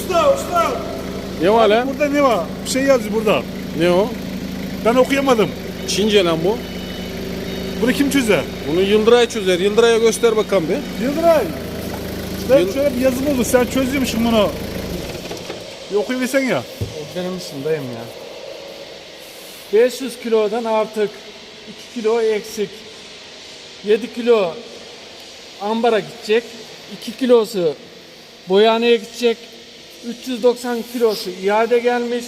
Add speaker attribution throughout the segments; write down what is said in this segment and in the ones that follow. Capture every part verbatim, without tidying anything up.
Speaker 1: Usta usta.
Speaker 2: Ne var lan?
Speaker 1: Burada ne var? Bir şey yazıyor burada.
Speaker 2: Ne o?
Speaker 1: Ben okuyamadım.
Speaker 2: Çince lan bu.
Speaker 1: Bunu kim çözer?
Speaker 2: Bunu Yıldıray çözer. Yıldıray'a göster bakalım bir.
Speaker 1: Yıldıray. Ben
Speaker 2: Yıl-
Speaker 1: şöyle bir yazı buldu. Sen çözüyormuşsun bunu. Bir okuyuversen ya.
Speaker 3: O benim işimdeyim ya. beş yüz kilodan artık iki kilo eksik. yedi kilo ambara gidecek. iki kilosu boyaneye gidecek. üç yüz doksan kilosu iade gelmiş.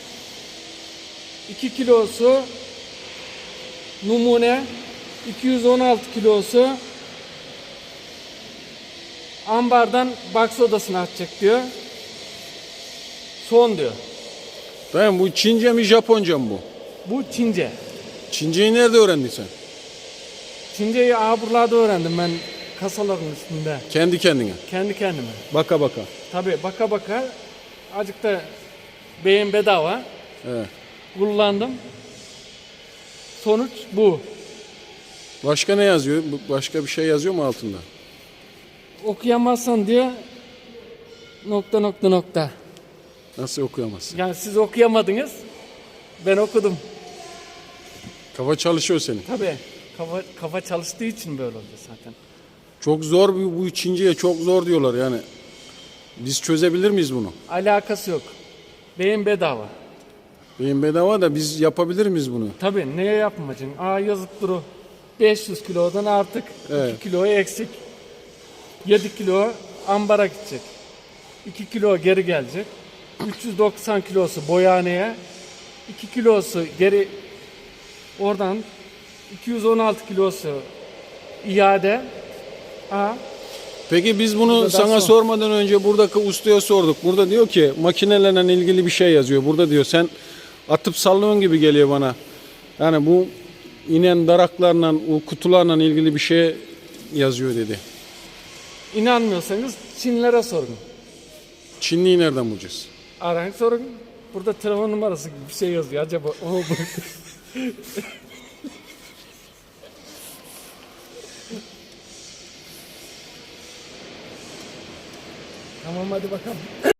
Speaker 3: iki kilosu numune. iki yüz on altı kilosu ambardan box odasına atacak diyor. Son diyor.
Speaker 2: Tamam, bu Çince mi Japonca mı bu?
Speaker 3: Bu Çince.
Speaker 2: Çinceyi nerede öğrendin sen?
Speaker 3: Çinceyi aha buralarda öğrendim ben kasaların üstünde.
Speaker 2: Kendi kendine.
Speaker 3: Kendi kendime.
Speaker 2: Baka baka.
Speaker 3: Tabii baka baka azıcık da beyin bedava
Speaker 2: Evet.
Speaker 3: kullandım. Sonuç bu.
Speaker 2: Başka ne yazıyor? Bu- Başka bir şey yazıyor mu altında?
Speaker 3: Okuyamazsan diyor nokta nokta nokta.
Speaker 2: Nasıl okuyamazsın?
Speaker 3: Yani siz okuyamadınız. Ben okudum.
Speaker 2: Kafa çalışıyor senin.
Speaker 3: Tabii kafa, kafa çalıştığı için böyle oldu zaten.
Speaker 2: Çok zor bu, bu Çince'ye çok zor diyorlar yani. Biz çözebilir miyiz bunu?
Speaker 3: Alakası yok. Beyin bedava.
Speaker 2: Beyin bedava da biz yapabilir miyiz bunu?
Speaker 3: Tabii neye yapmayacaksın? Aa yazıp duru. beş yüz kilodan artık
Speaker 2: Evet.
Speaker 3: iki kilo eksik. yedi kilo ambara gidecek. iki kilo geri gelecek. üç yüz doksan kilosu boyaneye. iki kilosu geri oradan iki yüz on altı kilosu iade. Aa,
Speaker 2: Peki biz bunu
Speaker 3: Burada
Speaker 2: sana
Speaker 3: son.
Speaker 2: sormadan önce buradaki ustaya sorduk. Burada diyor ki makinelerle ilgili bir şey yazıyor. Burada diyor sen atıp sallıyorsun gibi geliyor bana. Yani bu inen daraklarla, o kutularla ilgili bir şey yazıyor dedi.
Speaker 3: inanmıyorsanız Çinlere sorun.
Speaker 2: Çinliyi nereden bulacağız?
Speaker 3: Arayın sorun. Burada telefon numarası gibi bir şey yazıyor. Acaba o mu? Tamam hadi bakalım.